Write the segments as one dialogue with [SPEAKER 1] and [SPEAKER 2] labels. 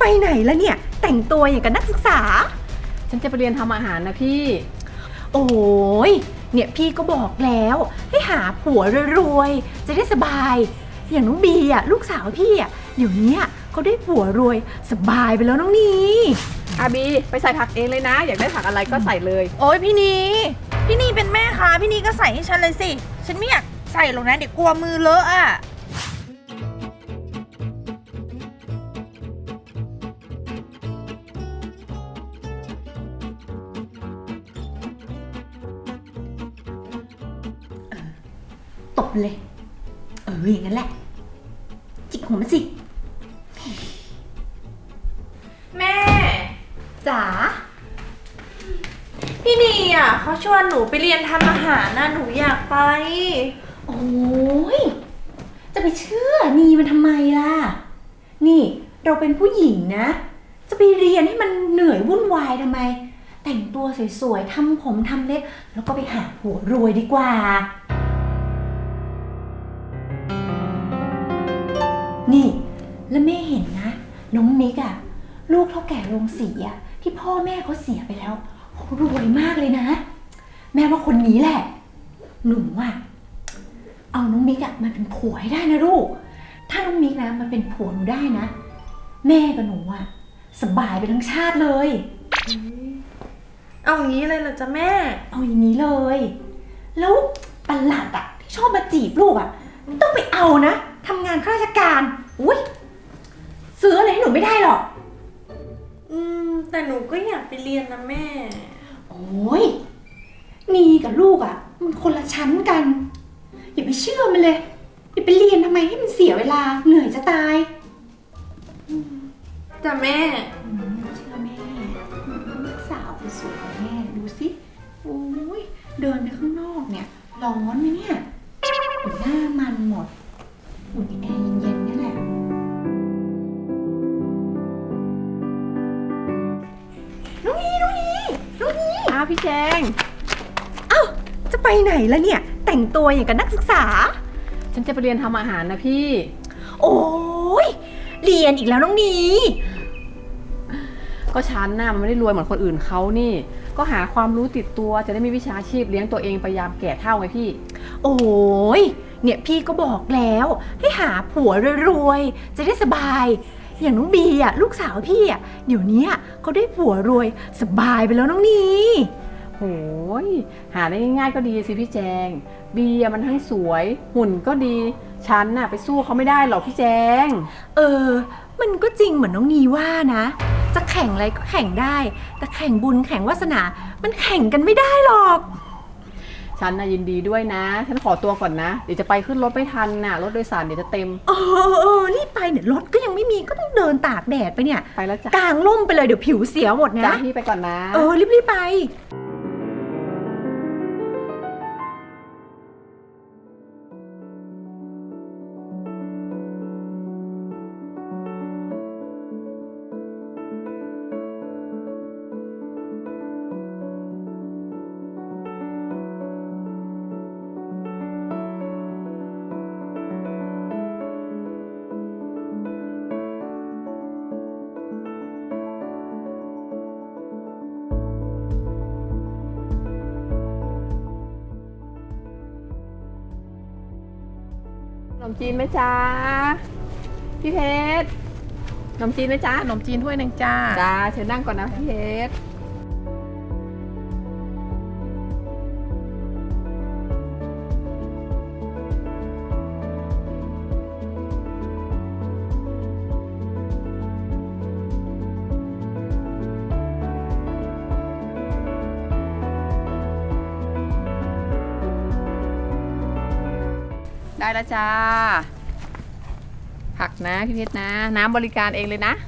[SPEAKER 1] ไหนแล้วเนี่ยแต่งตัวอย่างกับนักศึกษา
[SPEAKER 2] ฉันจะไปเรียนทำอาหารนะพี่
[SPEAKER 1] โอ้ยเนี่ยพี่ก็บอกแล้วให้หาผัวรวยๆจะได้สบายอย่างน้องบีอ่ะลูกสาวพี่อ่ะเดี๋ยวนี้เขาได้ผัวรวยสบายไปแล้วน้องนี
[SPEAKER 2] อาบีไปใส่ผักเองเลยนะอยากได้ผักอะไรก็ใส่เลย
[SPEAKER 3] โอ้ยพี่นีเป็นแม่ค้าพี่นีก็ใส่ให้ฉันเลยสิฉันไม่อยากใส่หรอกนะเดี๋ยวกลัวมือเลอะอ่ะ
[SPEAKER 1] ตบเลยอย่างนั้นแหละจิกหัวมันสิ
[SPEAKER 3] แม่
[SPEAKER 1] จ๋า
[SPEAKER 3] พี่นีอ่ะเขาชวนหนูไปเรียนทำอาหารนะหนูอยากไป
[SPEAKER 1] โอ้ยจะไปเชื่อนีมันทำไมล่ะนี่เราเป็นผู้หญิงนะจะไปเรียนให้มันเหนื่อยวุ่นวายทำไมแต่งตัวสวยๆทำผมทำเล็บแล้วก็ไปหาผัวรวยดีกว่านี่แล้วแม่เห็นนะน้องนิกอะลูกเท่าแก่โรงสีอะที่พ่อแม่เขาเสียไปแล้วเขารวยมากเลยนะแม่ว่าคนนี้แหละหนูอะเอาน้องมิกอะมาเป็นผัวให้ได้นะลูกถ้าน้องมิกนะมันเป็นผัวหนูได้นะแม่กับหนูอะสบายไปทั้งชาติเลย
[SPEAKER 3] เอาอย่างนี้เลยเหรอจ๊ะแม่
[SPEAKER 1] เอาอย่างนี้เลยแล้วประหลัดอะที่ชอบมาจีบลูกอะไม่ต้องไปเอานะทำงานข้าราชการอุ้ยซื้ออะไรให้หนูไม่ได้หรอก
[SPEAKER 3] แต่หนูก็อยากไปเรียนนะแม่
[SPEAKER 1] โอ้ยนีกับลูกอ่ะมันคนละชั้นกันอย่าไปเชื่อมันเลยอย่าไปเรียนทำไมให้มันเสียเวลาเหนื่อยจะตาย
[SPEAKER 3] จ้ะแม่
[SPEAKER 1] เชื่อแม่ลูกสาวคนสวยของแม่ดูสิโอ้ยเดินไปข้างนอกเนี่ยร้อนไหมเนี่ยหน้ามันหมดอุ่นแอร์เย็นๆนี่แหละน้องนี
[SPEAKER 2] อ้าวพี่แจง
[SPEAKER 1] จะไปไหนแล้วเนี่ยแต่งตัวอย่างกับนักศึกษา
[SPEAKER 2] ฉันจะไปเรียนทำอาหารนะพี่
[SPEAKER 1] โอ้ยเรียนอีกแล้วน้องนี
[SPEAKER 2] ก็ฉันน่ะมันไม่ได้รวยเหมือนคนอื่นเขานี่ก็หาความรู้ติดตัวจะได้มีวิชาชีพเลี้ยงตัวเองไปยามแก่เฒ่าไงพี่
[SPEAKER 1] โอ้ยเนี่ยพี่ก็บอกแล้วให้หาผัวรวยๆจะได้สบายอย่างน้องบีอ่ะลูกสาวพี่อ่ะเดี๋ยวนี้เขาได้ผัวรวยสบายไปแล้วน้องนี
[SPEAKER 2] โอ้ยหาได้ง่ายๆก็ดีสิพี่แจงบีมันทั้งสวยหุ่นก็ดีฉันน่ะไปสู้เขาไม่ได้หรอกพี่แจง
[SPEAKER 1] มันก็จริงเหมือนน้องนีว่านะจะแข่งอะไรก็แข่งได้แต่แข่งบุญแข่งวาสนามันแข่งกันไม่ได้หรอก
[SPEAKER 2] ฉันน่ะยินดีด้วยนะฉันขอตัวก่อนนะเดี๋ยวจะไปขึ้นรถไม่ทันน่ะรถโดยสารเดี๋ยวจะเต็ม
[SPEAKER 1] รีบไปเนี่ยรถก็ยังไม่มีก็ต้องเดินตากแดดไปเนี่ย
[SPEAKER 2] ไปแล้วจ้ะ
[SPEAKER 1] กางร่มไปเลยเดี๋ยวผิวเสียหมดนะ
[SPEAKER 2] จ้าพี่ไปก่อนนะ
[SPEAKER 1] รีบไป
[SPEAKER 2] ขนมจีนไหมจ๊ะพี่เพชรขนมจีนไหมจ๊ะ
[SPEAKER 3] ขนมจีนถ้วยหนึ่งจ้า
[SPEAKER 2] เชิญนั่งก่อนนะพี่เพชรได้แล้วจ้าผักนะพี่เพชรนะน้ำบริการเองเลยนะ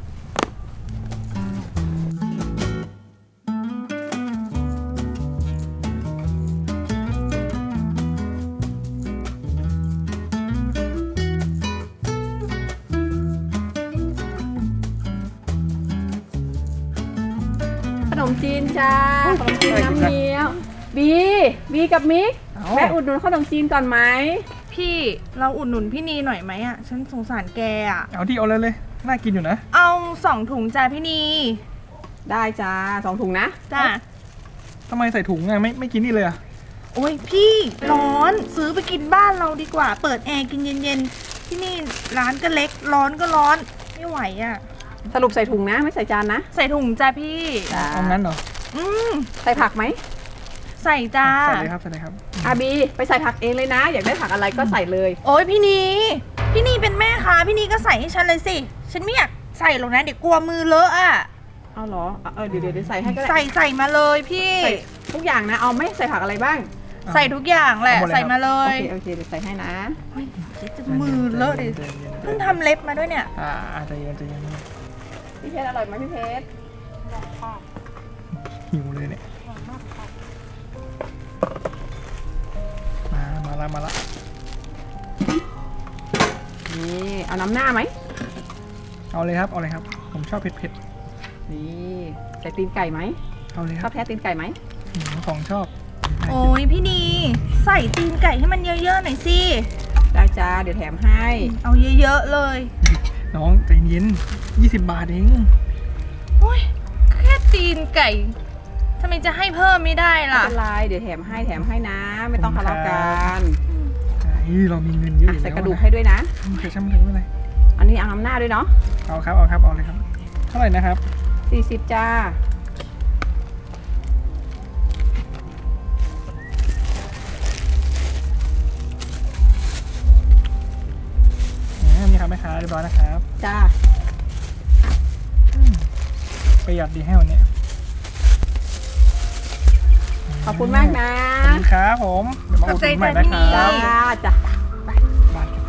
[SPEAKER 2] ขนมจีนจ้าขนมจีนน้ำเงี้ยวบีกับมิกแวะอุดหนุนขนมจีนก่อนไหม
[SPEAKER 3] พี่เราอุดหนุนพี่นีหน่อยไหมอ่ะฉันสงสารแกอ่ะ
[SPEAKER 4] เอาที่เอาเลยน่ากินอยู่นะ
[SPEAKER 3] เอา2 ถุงจ้าพี่นี
[SPEAKER 2] ได้จ้า2 ถุงนะ
[SPEAKER 3] จ้า
[SPEAKER 4] ทำไมใส่ถุงอะไม่กินนี่เลยอะ
[SPEAKER 3] โอ้ยพี่ร้อนซื้อไปกินบ้านเราดีกว่า เปิดแอร์กินเย็นๆที่นี่ร้านก็เล็กร้อนก็ร้อนไม่ไหวอ่ะ
[SPEAKER 2] สรุปใส่ถุงนะไม่ใส่จานนะ
[SPEAKER 3] ใส่ถุงจ้าพี่
[SPEAKER 2] จ้า
[SPEAKER 4] เอางั้นเหรอ
[SPEAKER 3] อืม
[SPEAKER 2] ใส่ผักไหม
[SPEAKER 3] ใส่จ้า
[SPEAKER 4] ใส่เลยครับใส่เลยครับ
[SPEAKER 2] อาบีไปใส่ผักเองเลยนะ อยากได้ผักอะไรก็ใส่เลย
[SPEAKER 3] โอ้ยพี่นีเป็นแม่ค้าพี่นีก็ใส่ให้ฉันเลยสิฉันไม่อยากใส่หรอกนะเดี๋ยวกลัวมือเลอะอ่ะ
[SPEAKER 2] เอาเหรอเดี๋ยวใส่ให้ก็ได้
[SPEAKER 3] ใส่มาเลยพี่
[SPEAKER 2] ใส่ทุกอย่างนะเอาไหม่ใส่ผักอะไรบ้าง
[SPEAKER 3] ใส่ทุกอย่างแหละ
[SPEAKER 4] เอาหมดเลย
[SPEAKER 3] ใส่มาเล
[SPEAKER 2] โอย เคเดี๋ยวใส่ให้นะ
[SPEAKER 3] เฮ้ยจะมือเลอะดิเพิ่งทำเล็บมาด้วยเนี่ย
[SPEAKER 4] ใจเย็นใจเย็น
[SPEAKER 2] พี่เพชรอร่อยไหมพี่เพชร
[SPEAKER 4] หิวเลยเนี่ยมาละ
[SPEAKER 2] นี่เอาน้ำหน้าไหม
[SPEAKER 4] เอาเลยครับผมชอบเผ็ด
[SPEAKER 2] นี่ใส่ตีนไก่ไหม
[SPEAKER 4] เอาเลย
[SPEAKER 2] ช
[SPEAKER 4] ค
[SPEAKER 2] อ
[SPEAKER 4] รั
[SPEAKER 2] บบ แท้ตีนไก่ไหม
[SPEAKER 4] ของชอบ
[SPEAKER 3] โอ้ยพี่นีใส่ตีนไก่ให้มันเยอะๆหน่อยสิ
[SPEAKER 2] ได้จ้าเดี๋ยวแถมให้
[SPEAKER 3] เอาเยอะๆเลย
[SPEAKER 4] น้องใจเย็น20 บาทเอง
[SPEAKER 3] โอ้ยแค่ตีนไก่ทำไมจะให้เพิ่มไม่ได้
[SPEAKER 2] ไม่
[SPEAKER 3] ล่ะ
[SPEAKER 2] เป็นไรเดี๋ยวแถมให้นะ ไม่ต้องทะเลาะกัน
[SPEAKER 4] เรามีเงินเยอะ
[SPEAKER 2] อ่ะ
[SPEAKER 4] อยู่
[SPEAKER 2] ใส่
[SPEAKER 4] แล้ว
[SPEAKER 2] กระดูกให้ด้วยนะ
[SPEAKER 4] เดี๋ยวช่างมันเถอะไม่เป็นไร
[SPEAKER 2] อันนี้เอาน้ำหน้าด้วยเนาะ
[SPEAKER 4] เอาเลยครับเท่าไหร่นะครับ
[SPEAKER 2] 40จ้า
[SPEAKER 4] นี่ครับแม่ค้าเรียบร้อยนะครับ
[SPEAKER 2] จ้า
[SPEAKER 4] ประหยัดดีให้วันนี้
[SPEAKER 2] ขอบคุณมากนะ
[SPEAKER 4] ขอบคุณครับผมเดี๋ยวมาอุดหนุนใหม่นะครั
[SPEAKER 2] จ้า
[SPEAKER 4] บ
[SPEAKER 2] จ้า
[SPEAKER 4] บ้านกัน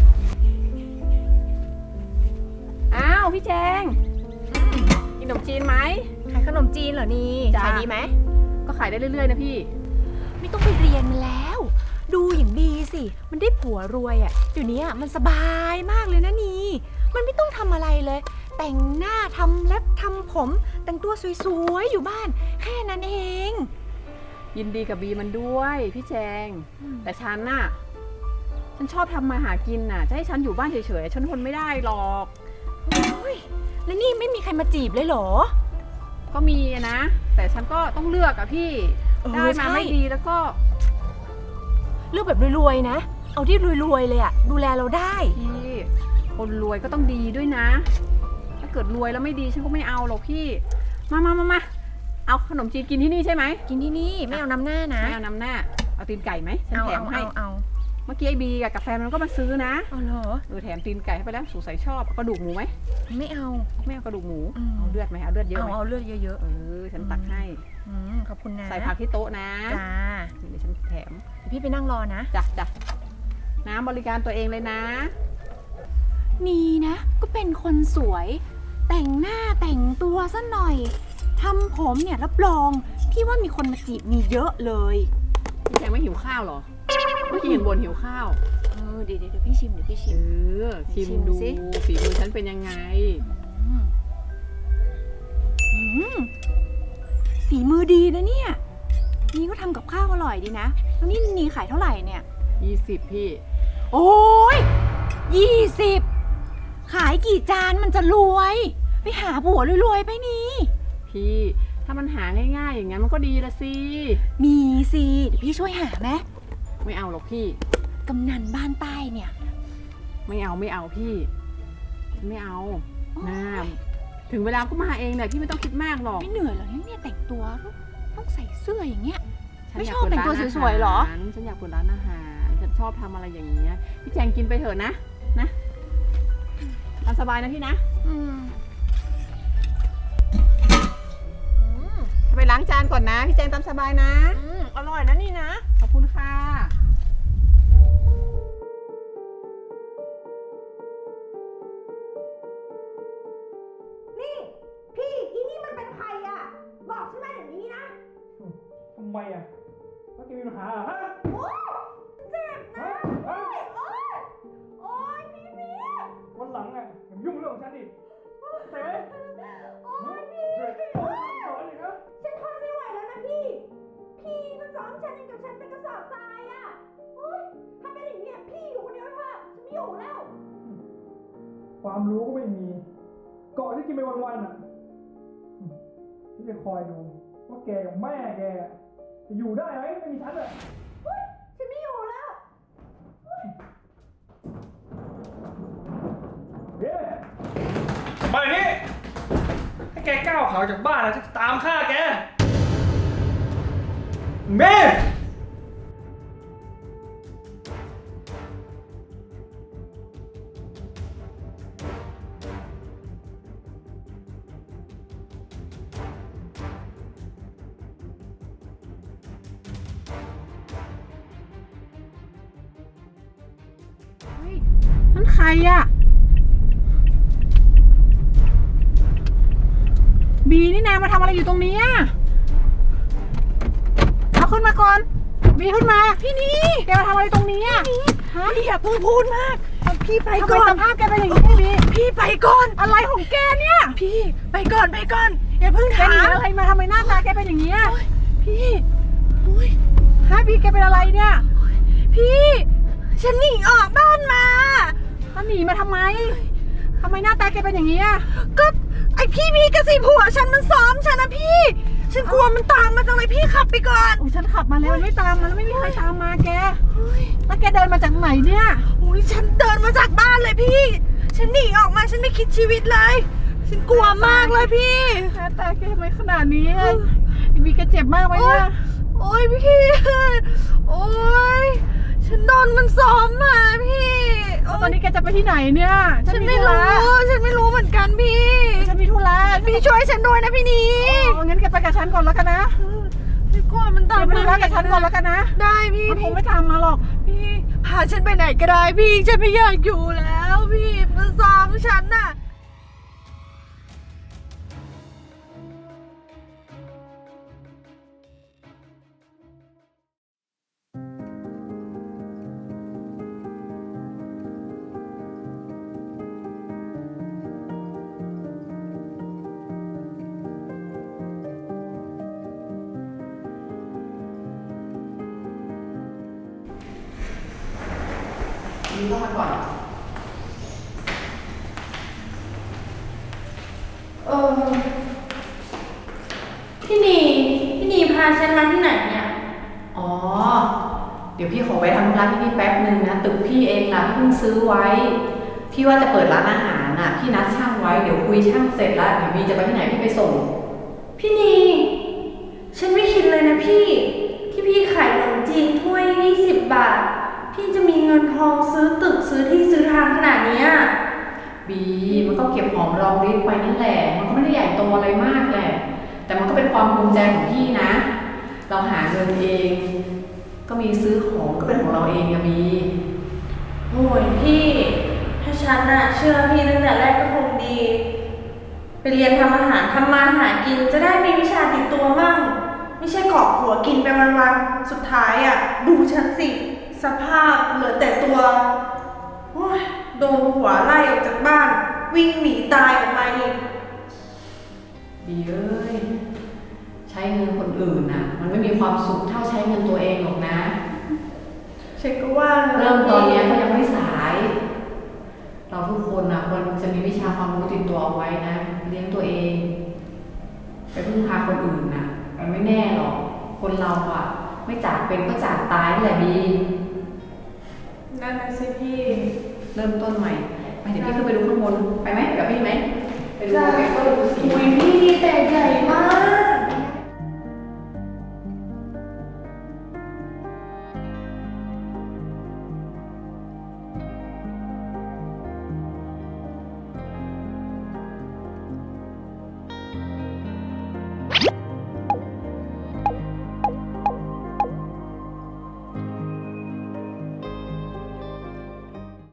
[SPEAKER 2] อ้าวพี่แจงกินขนมจีนไหม
[SPEAKER 1] ขายขนมจีนเหรอนี่
[SPEAKER 2] จ้ะ
[SPEAKER 1] ขายดีไหม
[SPEAKER 2] ก็ขายได้เรื่อยๆนะพี่
[SPEAKER 1] ไม่ต้องไปเรียนมันแล้ว ดูอย่างดีสิ มันได้ผัวรวยอะ่ะเดี๋ยวนี้มันสบายมากเลยนะนี่ มันไม่ต้องทำอะไรเลย แต่งหน้าทำเล็บทำผม แต่งตัวสวยๆอยู่บ้าน แค่นั้นเอง
[SPEAKER 2] ยินดีกับบีมันด้วยพี่แจง แต่ฉันน่ะฉันชอบทำมาหากินน่ะ จะให้ฉันอยู่บ้านเฉยๆฉันทนไม่ได้หรอก
[SPEAKER 1] โอ้ยแล้วนี่ไม่มีใครมาจีบเลยเหรอ
[SPEAKER 2] ก็มีนะ แต่ฉันก็ต้องเลือกอะพี่ ได้มา
[SPEAKER 1] ใช่
[SPEAKER 2] ไม่ดีแล้วก็
[SPEAKER 1] เลือกแบบรวยๆนะ เอาที่รวยๆเลยอะดูแลเราได้
[SPEAKER 2] พี่คนรวยก็ต้องดีด้วยนะ ถ้าเกิดรวยแล้วไม่ดีฉันก็ไม่เอาหรอกพี่ มาเอาขนมจีนกินที่นี่ใช่ไหม
[SPEAKER 1] กินที่นี่ไม่เอาน้ำหน้านะ
[SPEAKER 2] ไม่เอาน้ำหน้าเอาตีนไก่ไหมฉัน
[SPEAKER 1] เอา
[SPEAKER 2] แถมให้
[SPEAKER 1] เอา
[SPEAKER 2] เมื่อกี้ไอ้บีกับแฟนมันก็มาซื้อนะ
[SPEAKER 1] เอาเหรอ
[SPEAKER 2] แถมตีนไก่ให้ไปแล้วสงสัยชอบเอากระดูกหมูไหม
[SPEAKER 1] ไม่เอา
[SPEAKER 2] ไม่เอากระดูกหมู
[SPEAKER 1] อืม
[SPEAKER 2] เอาเลือดไหมเอาเลือดเยอะ
[SPEAKER 1] เอา
[SPEAKER 2] ไหม
[SPEAKER 1] เอาเลือดเยอะ
[SPEAKER 2] ฉันตักให้
[SPEAKER 1] ขอบคุณนะ
[SPEAKER 2] ใส่ผักที่โต๊ะนะ
[SPEAKER 1] จ้า
[SPEAKER 2] เดี๋ยวฉันแถม
[SPEAKER 1] พี่ไปนั่งรอนะ
[SPEAKER 2] จ้ะน้ำบริการตัวเองเลยนะ
[SPEAKER 1] นี่นะ ก็เป็นคนสวย แต่งหน้าแต่งตัวซะหน่อยทำผมเนี่ยรับรองพี่ว่ามีคนมาจีบมีเยอะเลย
[SPEAKER 2] พี่แจงไม่หิวข้าวเหรอเมื่อกี้เห็นบนหิวข้าว
[SPEAKER 1] เดี๋ยวพี่ชิมเดี๋ยวพี่ชิม
[SPEAKER 2] ชิม
[SPEAKER 1] ชิม
[SPEAKER 2] ดู
[SPEAKER 1] สิ
[SPEAKER 2] ฝีมือฉันเป็นยังไง
[SPEAKER 1] ฝีมือดีนะเนี่ยนี่ก็ทำกับข้าวอร่อยดีนะแล้วนี่ขายเท่าไหร่เนี่ย
[SPEAKER 2] 20พี่
[SPEAKER 1] โอ้ย20ขายกี่จานมันจะรวย ไปหาผัวรวยๆไปนี่
[SPEAKER 2] พี่ถ้ามันหาง่ายๆอย่างนั้นมันก็ดีละสิ
[SPEAKER 1] มีสิเดี๋ยวพี่ช่วยหาไหม
[SPEAKER 2] ไม่เอาหรอกพี่
[SPEAKER 1] กำนันบ้านใต้เนี่ย
[SPEAKER 2] ไม่เอาพี่ฉันไม่เอา
[SPEAKER 1] โอ๊ย
[SPEAKER 2] น้ำถึงเวลาก็มาเองแหละพี่ไม่ต้องคิดมากหรอก
[SPEAKER 1] ไม่เหนื่อยเหรอเนี่ยแต่งตัวต้องใส่เสื้ออย่างเงี้ย
[SPEAKER 2] ฉัน
[SPEAKER 1] ไม่
[SPEAKER 2] ยาก
[SPEAKER 1] ชอบ
[SPEAKER 2] เปิด
[SPEAKER 1] แต่งตัว
[SPEAKER 2] ร้าน
[SPEAKER 1] สวยๆเหรอ
[SPEAKER 2] าฉันอยากเปิดร้านอาหารฉันชอบทำอะไรอย่างเงี้ยพี่แจงกินไปเถอะนะตามสบายนะพี่นะไปล้างจานก่อนนะพี่แจงตามสบายนะ
[SPEAKER 1] อร่อยนะนี่นะ
[SPEAKER 2] ขอบคุณค่ะ
[SPEAKER 3] นี่พี่อีนี่มันเป็นใครอ่ะ บอกฉันมาอย่างนี้นะ
[SPEAKER 4] ทำไมอ่ะเมื่อกี้มีปัญหาเหรอฮะ
[SPEAKER 3] โอ๊ยเจ็บนะ
[SPEAKER 4] ฮะ
[SPEAKER 3] โอ๊ยพี่เมีย
[SPEAKER 4] วันหลังอ่ะอย่ายุ่งเรื่องของฉันดิเต๋
[SPEAKER 3] โอ๊ยพี่
[SPEAKER 4] สอนเลยครับ
[SPEAKER 3] ฉันทนไม่ไหวแล้วนะพี่ พี่มันซ้อมฉันอย่างกับฉันเป็นกระสอบทรายอ่ะโอ๊ยถ้าเป็นอย่างเงี้ยพี่อยู่คนเดียวเถอะฉันไม่อยู่แล้ว
[SPEAKER 4] ความรู้ก็ไม่มีเกาะที่กินไปวันๆอ่ะฉันจะคอยดูว่าแกกับแม่แกจะอยู่ได้ไหมไม่มีฉันอ่ะ
[SPEAKER 1] ฉันไม่อยู่แล้ว
[SPEAKER 4] เฮ้ยมาอย่างนี้ถ้าแกก้าวขาออกจากบ้านนะฉันจะตามฆ่าแกเมย์
[SPEAKER 2] นั่นใครอะบีนี่นามาทำอะไรอยู่ตรงนี้อะเอาขึ้นมาก่อนบีขึ้นมาพี่นี่แกมาทำอะไรตรงนี้อะฮะ
[SPEAKER 3] พี่อย่าเพิ่งพูดมากพี่ไป
[SPEAKER 2] ทำไม
[SPEAKER 3] ก่อน
[SPEAKER 2] สภาพแกเป็นอย่างนี้บี
[SPEAKER 3] พี่ไปก่อน
[SPEAKER 2] อะไรของแกเนี่ย
[SPEAKER 3] พี่ไปก่อนอย่าเพิ่ง
[SPEAKER 2] แก
[SPEAKER 3] ถา
[SPEAKER 2] หนี
[SPEAKER 3] ม
[SPEAKER 2] อะไรมาทำไมหน้าตาแกเป็นอย่างนี้อะ
[SPEAKER 3] พี่อุ้ย
[SPEAKER 2] ฮะบีแกเป็นอะไรเนี่ย
[SPEAKER 3] พี่ฉันหนีออกบ้านมา
[SPEAKER 2] แล้วหนีมาทำไมทำไมหน้าตาแกเป็นอย่างนี้อะ
[SPEAKER 3] ก็ไอพี่มีกระสีผัวฉันมันซ้อมฉันนะพี่ฉันกลัวมันตามมาจังเลยพี่ขับไปก่อน
[SPEAKER 2] โอ้ยฉันขับมาแล้วมันไม่ตามมาแล้วไม่มีใครตามมาแกแล้วแกเดินมาจากไหนเนี่ย
[SPEAKER 3] อุ้ยฉันเดินมาจากบ้านเลยพี่ ฉันหนีออกมาฉันไม่คิดชีวิตเลย ฉันกลัวมากเลยพี่
[SPEAKER 2] หน้าตาแกทำไมขนาดนี้อะบีแกเจ็บมากไหมเนี่ย
[SPEAKER 3] โอ้ยพี่โอ้ยฉันโดนมันซ้อมมาพี่โ
[SPEAKER 2] ตอนนี้แกจะไปที่ไหนเนี่ย
[SPEAKER 3] ฉันไม่รู้ฉันไม่รู้เหมือนกันพี่
[SPEAKER 2] ฉันมีธุระ
[SPEAKER 3] พี่ช่วยฉันด้วยนะพี่นี
[SPEAKER 2] อ๋องั้นแกไปกับฉันก่อนแล้วกันนะ
[SPEAKER 3] ฉันกลัวมัน
[SPEAKER 2] แก
[SPEAKER 3] ตาม
[SPEAKER 2] ไปธุระกับฉันก่อนแล้วกันนะ
[SPEAKER 3] ได้พี่
[SPEAKER 2] มันคงไม่ตามมาหรอก
[SPEAKER 3] พี่พาฉันไปไหนก็ได้พี่ฉันไม่อยากอยู่แล้วพี่มันซ้อมฉันน่ะ
[SPEAKER 2] บีเข้ามาก่อน
[SPEAKER 1] พี่นีพาฉันมาที่ไหนเนี่ย
[SPEAKER 2] อ๋อ เดี๋ยวพี่ขอไปทำธุระที่นี่แป๊บนึงนะตึกพี่เองล่ะพี่เพิ่งซื้อไว้ พี่ว่าจะเปิดร้านอาหารน่ะพี่นัดช่างไว้เดี๋ยวคุยช่างเสร็จแล้วเดี๋ยวบีจะไปที่ไหนพี่ไปส่ง
[SPEAKER 1] พี่นีฉันไม่คิดเลยนะพี่ ที่พี่ขายขนมจีนถ้วย20 บาท พี่จะมีเงินทองซื้อตึกซื้อที่ซื้อทางขนาดเนี้ย
[SPEAKER 2] บีมันก็เก็บหอมรอมริบไปนั่นแหละมันก็ไม่ได้ใหญ่โตอะไรมากแหละแต่มันก็เป็นความภูมิใจของพี่นะ เราหาเงินเอง ก็มีซื้อของก็เป็นของเราเองอะบี
[SPEAKER 1] โอ้ยพี่ ถ้าฉันน่ะเชื่อพี่ตั้งแต่แรกก็คงดี ไปเรียนทำอาหารทำมาหากินจะได้มีวิชาติดตัวมั่ง ไม่ใช่เกาะหัวกินไปวันๆสุดท้ายอ่ะ ดูฉันสิ สภาพเหลือแต่ตัวโอ้ยโดนหัวไล่ออกจากบ้าน วิ่งหนีตายออกมาอีก
[SPEAKER 2] บีเอ้ยใช้เงินคนอื่นน่ะมันไม่มีความสุขเท่าใช้เงินตัวเองหรอกนะ
[SPEAKER 1] เช็คก็ว่า
[SPEAKER 2] เริ่มตอนเนี้ยก็ยังไม่สาย เราทุกคนนะควรจะมีวิชาความรู้ติดตัวเอาไว้นะ เลี้ยงตัวเอง ไปพึ่งพาคนอื่นนะมันไม่แน่หรอก คนเราอะไม่จากเป็นก็จากตายนั่นแหละบี
[SPEAKER 1] นั่นน่ะสิพี่
[SPEAKER 2] เริ่มต้นใหม่ไปเดี๋ยวพี่ขึ้นไปดูข้างบนไปไหมกับพี่ไหมไปดู
[SPEAKER 1] จ้ะ
[SPEAKER 2] ไปก็ดูสี
[SPEAKER 1] อุ้ยพี่แต่ใหญ่มา